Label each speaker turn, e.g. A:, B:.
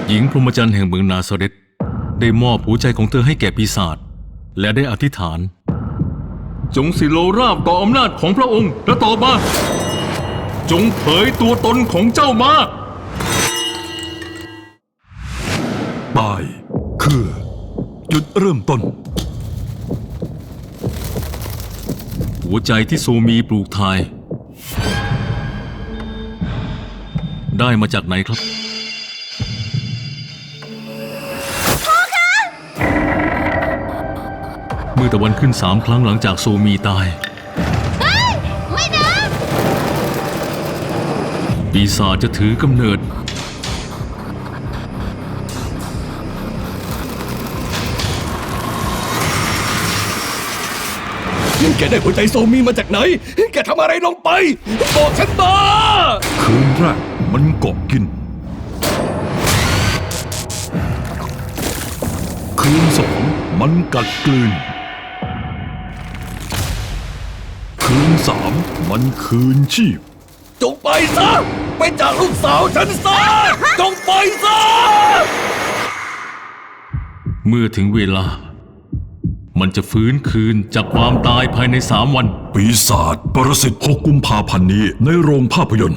A: หญิงพรหมจรรย์แห่งเมืองนาซาเรตได้มอบหัวใจของเธอให้แก่ปีศาจและได้อธิษฐานจงสิโลราบต่ออำนาจของพระองค์และต่อมาจงเผยตัวตนของเจ้ามา
B: ตายคือจุดเริ่มต้น
A: หัวใจที่โซมีปลูกทายได้มาจากไหนครับเมื่อตะวันขึ้น3 ครั้งหลังจากโซมีตาย
C: ไม่นะ
A: ปีศาจจะถือกำเนิด
B: แกได้หัวใจโซมีมาจากไหนแกทำอะไรลงไปบอกฉันมาคืนแรกมันเกาะกินคืน2มันกัดกลืนคืน3มันคืนชีพจงไปซะไปจากลูกสาวฉันซะจงไปซะ
A: เมื่อถึงเวลามันจะฟื้นคืนจากความตายภายใน3 วัน
B: ปีศาจปรสิต6 กุมภาพันธ์นี้ในโรงภาพยนตร์